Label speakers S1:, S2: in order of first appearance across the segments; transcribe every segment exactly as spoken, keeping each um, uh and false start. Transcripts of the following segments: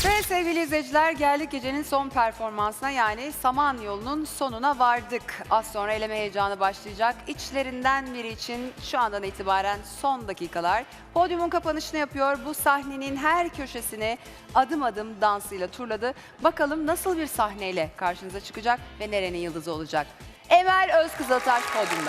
S1: Ve sevgili izleyiciler, geldik gecenin son performansına, yani Samanyolu'nun sonuna vardık. Az sonra eleme heyecanı başlayacak. İçlerinden biri için şu andan itibaren son dakikalar. Podyumun kapanışını yapıyor. Bu sahnenin her köşesini adım adım dansıyla turladı. Bakalım nasıl bir sahneyle karşınıza çıkacak ve nerenin yıldızı olacak? Emel Özkızıltaş podyumda.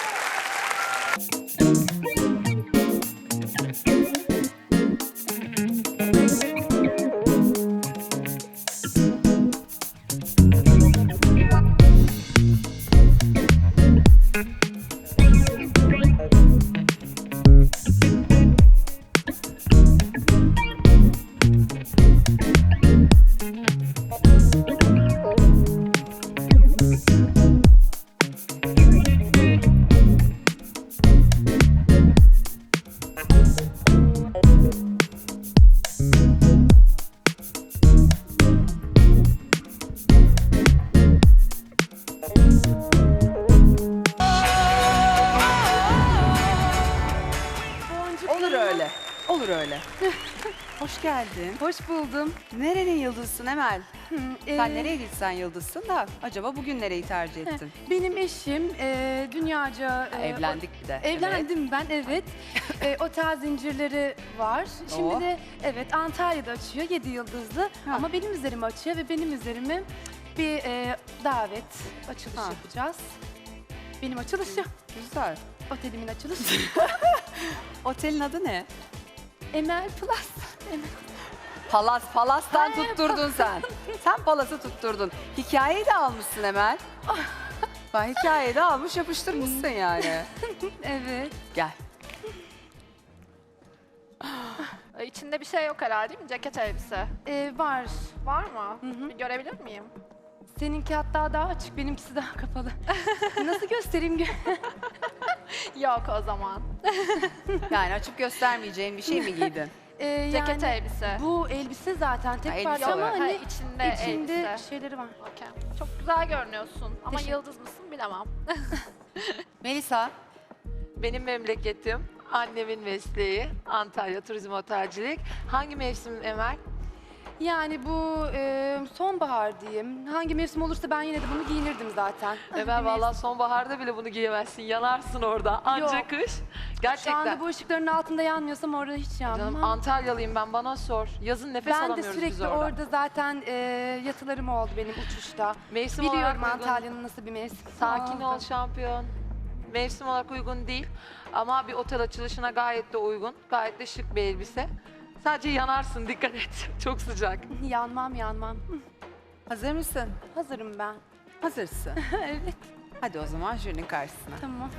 S1: Olur öyle. Olur öyle. Hoş geldin.
S2: Hoş buldum.
S1: Nerenin yıldızısın Emel?
S2: Ee,
S1: Sen nereye gitsen yıldızsın da acaba bugün nereyi tercih ettin?
S2: Benim eşim e, dünyaca... e,
S1: Evlendik bir de.
S2: o- Evlendim ben, evet. e, otel zincirleri var. Şimdi
S1: Oh.
S2: de evet Antalya'da açıyor, yedi yıldızlı.
S1: Ha.
S2: Ama benim üzerime açıyor ve benim üzerime bir e, davet, açılış
S1: Ha.
S2: yapacağız. Benim açılışım.
S1: Güzel.
S2: Otelimin açılışı.
S1: Otelin adı ne?
S2: Emel Plus. Emel.
S1: Palas. Palas'tan
S2: Ay,
S1: tutturdun sen. Sen Palas'ı tutturdun. Hikayeyi de almışsın Emel. Bak, hikayeyi de almış yapıştırmışsın yani.
S2: Evet.
S1: Gel.
S3: Ee, İçinde bir şey yok herhalde, değil mi? Ceket elbise.
S2: E, var.
S3: Var mı?
S2: hı.
S3: Bir görebilir miyim?
S2: Seninki hatta daha açık, benimkisi daha kapalı. Nasıl göstereyim? gö-
S3: Yok o zaman.
S1: Yani açıp göstermeyeceğin bir şey mi giydin?
S2: Ee,
S3: Ceket
S2: yani
S3: elbise.
S2: bu elbise zaten tek
S1: Ha,
S2: parça
S1: elbise
S2: ama
S1: olarak.
S3: Ha,
S2: hani
S3: içinde,
S2: içinde
S3: elbise.
S2: şeyleri var.
S3: Okey. Çok güzel görünüyorsun ama
S2: Teşekkür-
S3: yıldız mısın bilemem.
S1: Melisa.
S4: Benim memleketim, annemin mesleği, Antalya Turizm Otelcilik. Hangi mevsim Emel?
S2: Yani bu e, sonbahar diyeyim. Hangi mevsim olursa ben yine de bunu giyinirdim zaten.
S4: Emel vallahi sonbaharda bile bunu giyemezsin, yanarsın orada. Anca
S2: Yok.
S4: kış.
S2: Şu
S4: Gerçekten.
S2: anda bu ışıkların altında yanmıyorsam orada hiç yanmam.
S4: Canım Antalyalıyım ben, bana sor. Yazın nefes
S2: ben de
S4: alamıyoruz biz
S2: sürekli
S4: orada.
S2: orada zaten e, yatılarım oldu benim uçuşta.
S4: Mevsim
S2: Biliyorum
S4: olarak uygun.
S2: Antalya'nın nasıl bir mevsim.
S4: Sakin
S2: oldu.
S4: ol şampiyon. Mevsim olarak uygun değil ama bir otel açılışına gayet de uygun. Gayet de şık bir elbise. Sadece yanarsın, dikkat et. Çok sıcak.
S2: Yanmam yanmam.
S1: Hazır mısın?
S2: Hazırım ben.
S1: Hazırsın.
S2: Evet,
S1: Hadi o zaman jürinin karşısına.
S2: tamam.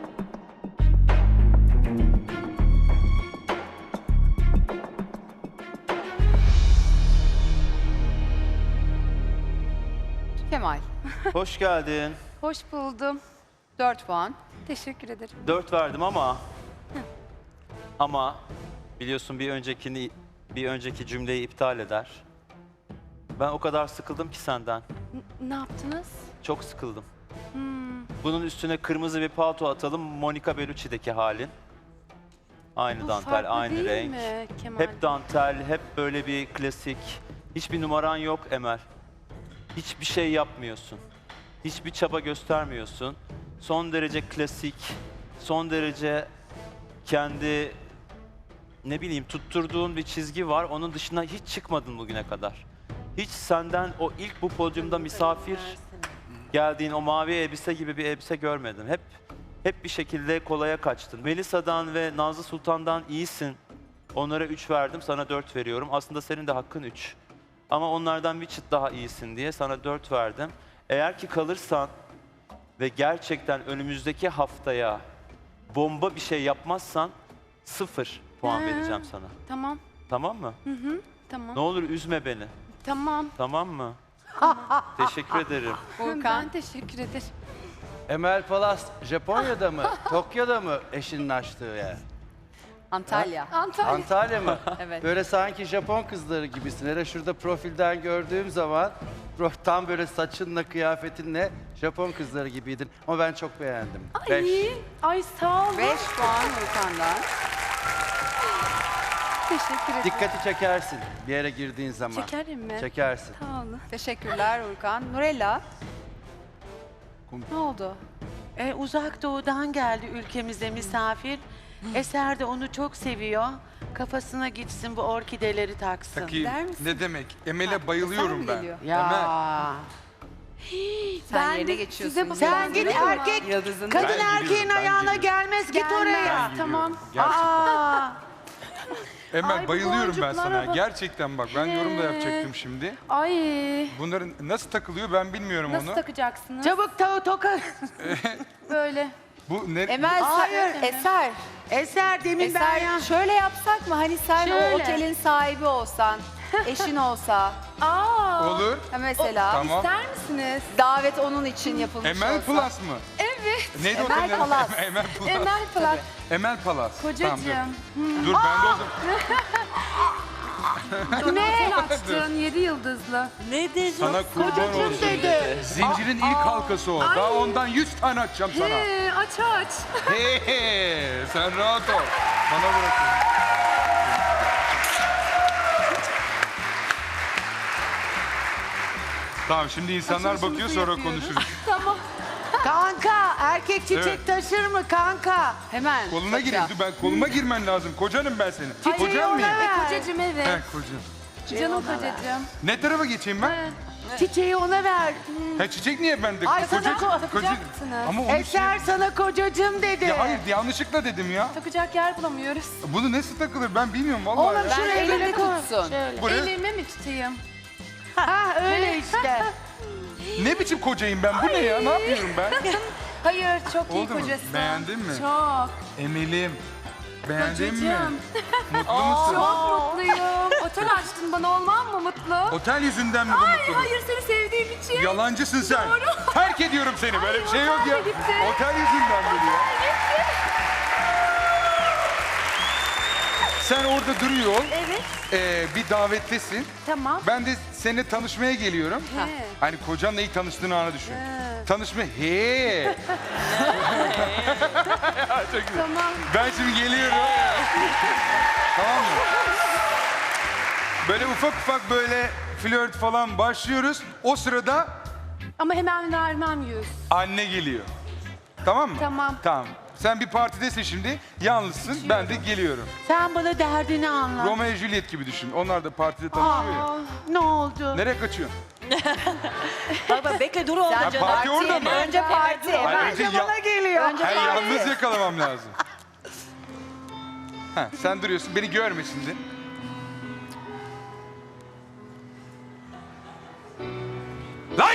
S1: Kemal.
S5: Hoş geldin.
S2: Hoş buldum.
S1: dört puan.
S2: Teşekkür ederim.
S5: Dört verdim ama ama biliyorsun bir öncekini bir önceki cümleyi iptal eder. Ben o kadar sıkıldım ki senden.
S2: N- ne yaptınız?
S5: Çok sıkıldım.
S2: Hmm.
S5: Bunun üstüne kırmızı bir palto atalım. Monica Bellucci'deki halin. Aynı
S2: Bu
S5: dantel,
S2: farklı
S5: aynı
S2: değil
S5: renk.
S2: mi Kemal?
S5: Hep dantel, hep böyle bir klasik. Hiçbir numaran yok Emel. Hiçbir şey yapmıyorsun. Hiçbir çaba göstermiyorsun. Son derece klasik, son derece kendi ne bileyim tutturduğun bir çizgi var. Onun dışına hiç çıkmadın bugüne kadar. Hiç senden o ilk bu podyumda misafir geldiğin o mavi elbise gibi bir elbise görmedim. Hep hep bir şekilde kolaya kaçtın. Melisa'dan ve Nazlı Sultan'dan iyisin. Onlara üç verdim, sana dört veriyorum. Aslında senin de hakkın üç. Ama onlardan bir çıt daha iyisin diye sana dört verdim. Eğer ki kalırsan ve gerçekten önümüzdeki haftaya bomba bir şey yapmazsan sıfır puan
S2: Ha.
S5: vereceğim sana.
S2: Tamam.
S5: Tamam mı?
S2: Hı hı. Tamam.
S5: Ne olur üzme beni.
S2: Tamam.
S5: Tamam mı? Teşekkür ederim.
S1: Volkan.
S2: Ben teşekkür ederim.
S6: Emel Palas Japonya'da mı? Tokyo'da mı eşinin açtığı yer?
S1: Antalya.
S2: Antalya.
S6: Antalya mı?
S1: Evet.
S6: Böyle sanki Japon kızları gibisin. Hele şurada profilden gördüğüm zaman pro- tam böyle saçınla, kıyafetinle Japon kızları gibiydin. Ama ben çok beğendim. Beş.
S2: Ay, ay sağ ol.
S1: beş puan Volkan'dan.
S2: Teşekkür ederim.
S6: Dikkati çekersin bir yere girdiğin zaman.
S2: Çekerim mi?
S6: Çekersin.
S2: Sağ olun.
S1: Teşekkürler Urkan. Nurella. Ne oldu?
S7: E, uzak doğudan geldi ülkemize misafir. Eser de onu çok seviyor. Kafasına gitsin bu orkideleri taksın.
S8: Takayım.
S1: Der misin?
S8: Ne demek? Emel'e
S1: Eser mi
S8: bayılıyorum ben.
S1: geliyor?
S7: Ya.
S8: Emel.
S1: Sen
S2: Ben
S1: yerine
S2: de
S1: geçiyorsun.
S2: size bu-
S7: Sen git
S2: Yıldız'ın
S7: erkek,
S1: Yıldız'ın
S7: kadın
S8: Ben
S7: erkeğin
S8: geliyorum, ben
S7: ayağına
S8: geliyorum.
S7: gelmez. Git
S2: Gelmez.
S7: oraya.
S2: Tamam.
S8: Gerçekten.
S7: Aa,
S8: Emel
S2: Ay, bu
S8: bayılıyorum ben
S2: boncuklara
S8: sana.
S2: bak.
S8: Gerçekten bak ben yorum da
S2: He.
S8: yapacaktım şimdi.
S2: Ay.
S8: Bunların nasıl takılıyor ben bilmiyorum
S2: Nasıl
S8: onu.
S2: takacaksınız?
S7: çabuk ta toka.
S2: Böyle.
S8: Bu ne?
S1: Emel,
S7: Hayır.
S1: sen- Eser.
S7: Eser demin ben ya.
S1: Eser şöyle yapsak mı? Hani sen
S2: Şöyle.
S1: o otelin sahibi olsan, eşin olsa.
S2: Aa.
S8: Olur.
S1: Ha mesela
S8: Tamam.
S2: İster misiniz?
S1: davet onun için yapılmış
S8: Emel
S1: olsa.
S8: Plus mı?
S2: Evet.
S8: Neydi
S1: Emel
S8: otelin adı?
S1: Palas.
S8: Emel Plus.
S2: Emel Plak.
S8: Emel Palas.
S2: Kocacığım.
S8: Tamam, dur. dur ben de o zaman.
S2: Ne? Otel açtın yedi yıldızlı.
S7: Ne dedi?
S8: Sana kurban olsun.
S7: dedi.
S8: Zincirin ilk halkası o. Daha ondan yüz tane açacağım sana.
S2: He, aç aç.
S8: He he, sen rahat ol. Bana bırakın. Tamam şimdi insanlar
S2: Açılışımızı
S8: bakıyor sonra
S2: yapıyoruz.
S8: konuşuruz.
S2: Tamam.
S7: Kanka erkek çiçek
S8: Evet.
S7: taşır mı kanka?
S1: Hemen.
S8: Koluna
S1: takacağım.
S8: gireyim. Dur ben koluma girmen lazım. Kocanım ben senin.
S7: Ay,
S8: Kocan
S7: ona
S8: mıyım?
S7: ver.
S2: E, kocacığım evet.
S8: He kocam.
S2: Canım kocacığım.
S8: Ne tarafa geçeyim ben?
S2: He.
S7: Çiçeği ona ver.
S8: Ha çiçek niye bende?
S7: Ay, sana ko-
S2: takacaksınız.
S8: Ama onu şey...
S7: Eser sana kocacığım dedi.
S8: Ya hayır yanlışlıkla dedim ya.
S2: Takacak yer bulamıyoruz.
S8: Bunu nasıl takılır ben bilmiyorum vallahi.
S7: Oğlum
S8: ya.
S1: Ben
S7: şuraya
S1: elinde
S7: böyle koy.
S1: tutsun.
S8: Buraya-
S2: Elime mi tutayım?
S7: Ha öyle işte.
S8: Ne biçim kocayım ben? Bu ne ya? Ne yapıyorum ben?
S2: Hayır, çok iyi
S8: Oldu mu?
S2: kocasın.
S8: Beğendin mi?
S2: Çok.
S8: Emelim. Beğendin mi?
S2: Kocacığım.
S8: Mutlu musun?
S2: Çok mutluyum. Otel açtın bana olmam mı mutlu?
S8: Otel yüzünden mi bu
S2: Ay
S8: mutluluk?
S2: hayır seni sevdiğim için.
S8: Yalancısın sen.
S2: Doğru.
S8: Terk ediyorum seni. Böyle
S2: Ay,
S8: bir şey yok
S2: otel
S8: ya.
S2: de gitti.
S8: Otel yüzünden geliyor. Sen orada duruyor.
S2: Evet.
S8: Ee, bir davettesin.
S2: Tamam.
S8: Ben de seninle tanışmaya geliyorum.
S2: He.
S8: Hani kocanla ilk tanıştığın anı düşün.
S2: He.
S8: Tanışma. He. Ya, çok güzel.
S2: Tamam.
S8: Ben şimdi geliyorum. Tamam mı? Böyle ufak ufak böyle flört falan başlıyoruz. O sırada
S2: Ama hemen vermem yüz.
S8: anne geliyor. Tamam mı?
S2: Tamam.
S8: Tamam. Sen bir partidesin şimdi. Yalnızsın. Ben de geliyorum.
S7: Sen bana derdini anlat.
S8: Romeo ve Juliet gibi düşün. Onlar da partide tanışıyor ya.
S7: Aa, ne oldu?
S8: Nereye kaçıyorsun?
S9: Bak bak bekle dur orada
S1: Sen
S9: canım.
S8: parti orada mı?
S1: Önce parti.
S8: Hayır,
S1: Hemen.
S8: önce ya-
S7: Bana geliyor.
S1: Önce
S8: Hayır,
S1: parti.
S8: yalnız yakalamam lazım. Ha, sen duruyorsun. Beni görmesin de. Lan!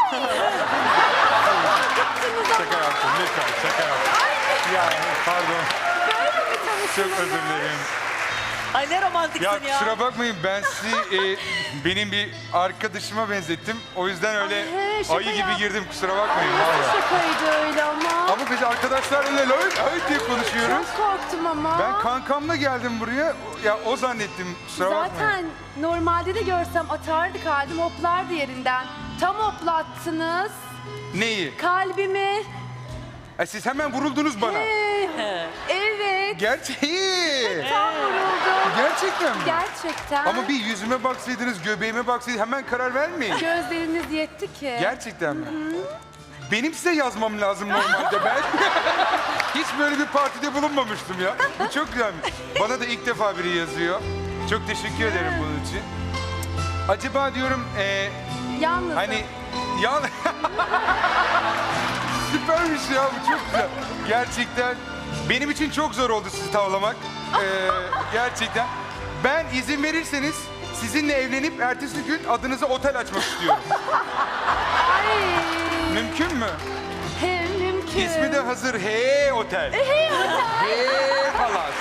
S8: Şaka yaptım. Lütfen şaka yaptım. Ya pardon. Çok özür dilerim.
S9: Ay ne romantiksin
S8: Ya
S9: ya.
S8: kusura bakmayın ben sizi e, benim bir arkadaşıma benzettim. O yüzden öyle
S2: Ay, he, şaka
S8: ayı gibi
S2: yap-
S8: girdim kusura bakmayın valla.
S2: Şakaydı öyle ama.
S8: Ama biz arkadaşlar öyle öyle öyle diye konuşuyoruz.
S2: Çok korktum ama.
S8: Ben kankamla geldim buraya. Ya o zannettim kusura bakmayın.
S2: Zaten normalde de görsem atardı kalbim hoplardı yerinden. Tam hoplattınız
S8: Neyi?
S2: kalbimi.
S8: E, siz hemen vuruldunuz bana.
S2: Ee, evet.
S8: Gerçeği.
S2: Tam vuruldum.
S8: Gerçekten mi?
S2: Gerçekten.
S8: Ama bir yüzüme baksaydınız, göbeğime baksaydınız hemen karar vermeyin.
S2: Gözleriniz yetti ki.
S8: Gerçekten mi? Benim size yazmam lazım normalde ben. Hiç böyle bir partide bulunmamıştım ya. Bu çok güzelmiş. Bana da ilk defa biri yazıyor. Çok teşekkür ederim bunun için. Acaba diyorum e,
S2: Yalnızım.
S8: hani ya süpermiş ya bu çok güzel. Gerçekten benim için çok zor oldu sizi tavlamak. Ee, gerçekten. Ben izin verirseniz sizinle evlenip ertesi gün adınıza otel açmak istiyorum.
S2: Ay.
S8: Mümkün mü?
S2: Hem mümkün.
S8: İsmi de hazır. Hey Otel.
S2: Hey otel.
S8: Hey Palas.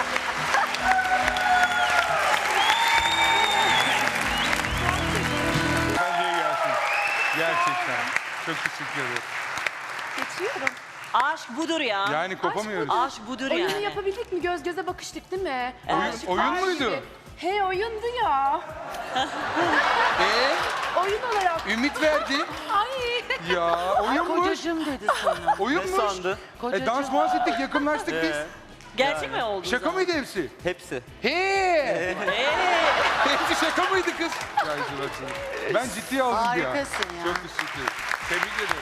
S8: Bence gelsin. Gerçekten. Çok teşekkür ederim.
S2: Geçiyorum.
S9: Aşk budur ya.
S8: Yani kopamıyoruz.
S9: Aşk budur
S2: Oyunu
S9: yani.
S2: yapabildik mi? Göz göze bakıştık değil mi?
S8: Oyun-
S2: Aşık,
S8: oyun
S2: aşık.
S8: muydu?
S2: He oyundu ya.
S8: Ee,
S2: Oyun olarak.
S8: ümit verdi.
S2: Ay.
S8: Ya oyunmuş.
S7: Kocacığım dedi sana.
S8: Oyunmuş.
S5: Ne sandın?
S8: E, dans muhas ettik, yakınlaştık biz.
S9: Gerçek
S5: Yani.
S9: mi oldu?
S8: Şaka mıydı hepsi?
S5: Hepsi.
S8: He! Hepsi şaka mıydı kız? Ya işte bak şimdi. Ben ciddiye aldım ya.
S7: Harikasın ya.
S8: Çok teşekkür ederim. Tebrik ederim.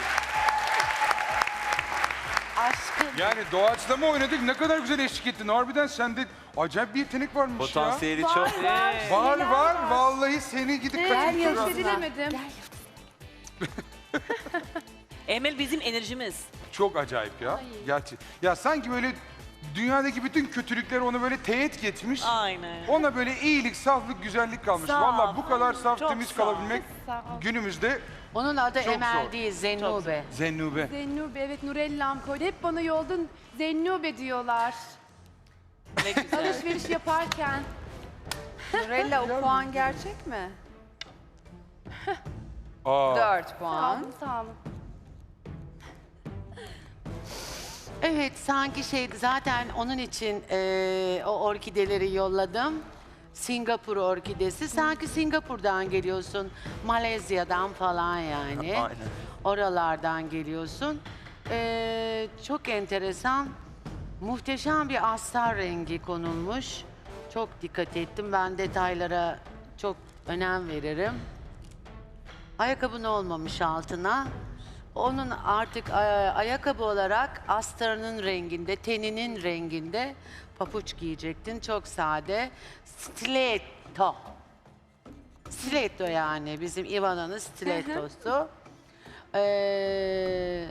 S7: Aşkım.
S8: Yani doğaçlama oynadık. Ne kadar güzel eşlik ettin. Harbiden sende acayip bir yetenek varmış
S5: Potansiyeli
S2: Var,
S5: çok.
S2: var.
S8: ya. Var var. Vallahi seni gidip
S2: Gel
S8: kaçırtıyorum.
S2: yıldızına. Keşfedemedim.
S9: Emel bizim enerjimiz.
S8: Çok acayip ya. Gerçi. Ya sanki böyle dünyadaki bütün kötülükler onu böyle teğet geçmiş.
S9: Aynen.
S8: Ona böyle iyilik, saflık, güzellik kalmış.
S9: Saf.
S8: Vallahi bu kadar saf,
S9: Çok
S8: temiz
S9: saf.
S8: kalabilmek
S2: Sağ ol.
S8: günümüzde
S7: Onun adı
S8: Çok
S7: Emel
S8: zor.
S7: değil, Zennube.
S8: Zennube.
S2: Zennube, evet Nurellam koydu. Hep bana yolda Zennube diyorlar.
S9: Ne güzel.
S2: Alışveriş yaparken.
S1: Nurella o puan gerçek mi?
S8: Aa.
S1: dört
S2: Sağ
S1: puan.
S2: olun, sağ olun.
S7: Evet, sanki şeydi zaten onun için eee, o orkideleri yolladım. Singapur orkidesi. Sanki Singapur'dan geliyorsun, Malezya'dan falan yani.
S5: Aynen.
S7: Oralardan geliyorsun. Eee, çok enteresan, muhteşem bir astar rengi konulmuş. Çok dikkat ettim. Ben detaylara çok önem veririm. Ayakkabın olmamış altına. Onun artık e, ayakkabı olarak astarının renginde, teninin renginde papuç giyecektin. Çok sade. Stiletto. Stiletto yani bizim Ivana'nın stilettosu. Ee,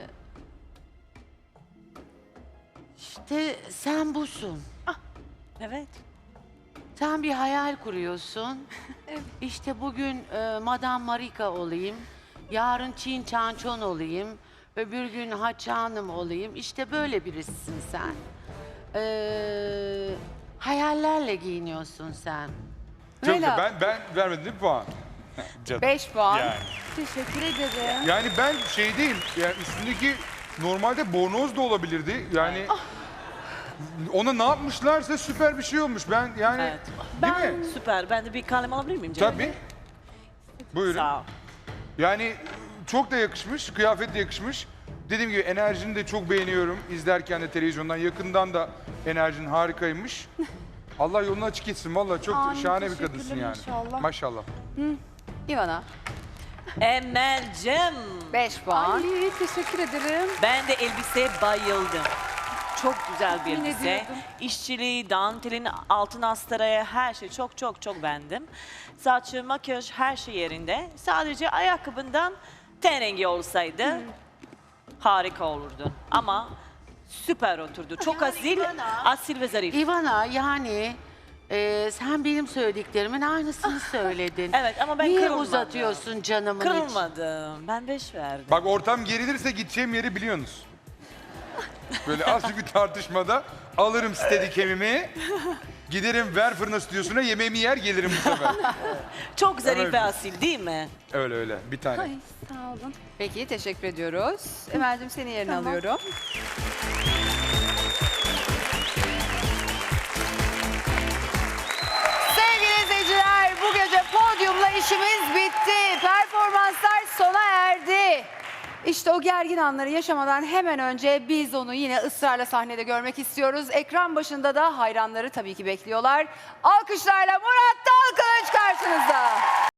S7: işte sen busun.
S9: Evet.
S7: Sen bir hayal kuruyorsun. İşte bugün e, Madame Marika olayım. Yarın Çin Çançon olayım. Öbür gün Haçanım olayım. İşte böyle birisin sen. Ee, hayallerle giyiniyorsun sen.
S8: Çok güzel.
S1: Nurella,
S8: Ben, ben vermedim değil mi puan? Canım.
S1: beş puan.
S8: Yani.
S2: Teşekkür ederim.
S8: Yani ben şey değil, yani üstündeki normalde bornoz da olabilirdi. Yani ona ne yapmışlarsa süper bir şey olmuş. Ben yani
S9: Evet.
S8: değil mi?
S9: Süper. Ben de bir kalem alabilir miyim? Cemile?
S8: Tabii. Buyurun.
S9: Sağ ol.
S8: Yani çok da yakışmış, kıyafet de yakışmış. Dediğim gibi enerjini de çok beğeniyorum. İzlerken de televizyondan, yakından da enerjin harikaymış. Allah yolunu açık etsin. Vallahi çok
S2: Amin,
S8: şahane bir
S2: teşekkürler
S8: kadınsın yani.
S2: inşallah.
S8: Maşallah.
S1: Ivana,
S9: Emel'cim.
S1: beş puan.
S2: Ay teşekkür ederim.
S9: Ben de elbiseye bayıldım. Çok güzel bir
S2: Tahmin
S9: elbise.
S2: ediyordum.
S9: İşçiliği, dantelin, altın astaraya her şey çok çok çok beğendim. Saçı, makyaj her şey yerinde. Sadece ayakkabından ten rengi olsaydı harika olurdu. Ama süper oturdu. Çok
S7: Yani
S9: asil,
S7: Ivana-
S9: asil ve zarif.
S7: Ivana yani e, sen benim söylediklerimin aynısını söyledin.
S9: Evet ama ben
S7: Niye
S9: kırılmadım.
S7: uzatıyorsun canımın için?
S9: Kırılmadım. Ben beş verdim.
S8: Bak ortam gerilirse gideceğim yeri biliyorsunuz. Böyle azıcık bir tartışmada alırım steadicam'imi. Giderim ver fırına stüdyosuna yemeğimi yer gelirim bu sefer.
S9: Çok zarif
S8: Evet.
S9: ve asil değil mi?
S8: Öyle öyle bir tane.
S2: Ay sağ olun.
S1: Peki, teşekkür ediyoruz. Emel'cim seni yerine
S2: Tamam.
S1: alıyorum. Sevgili izleyiciler, bu gece podyumla işimiz bitti. Performanslar sona erdi. İşte o gergin anları yaşamadan hemen önce biz onu yine ısrarla sahnede görmek istiyoruz. Ekran başında da hayranları tabii ki bekliyorlar. Alkışlarla Murat Dalkılıç karşınızda.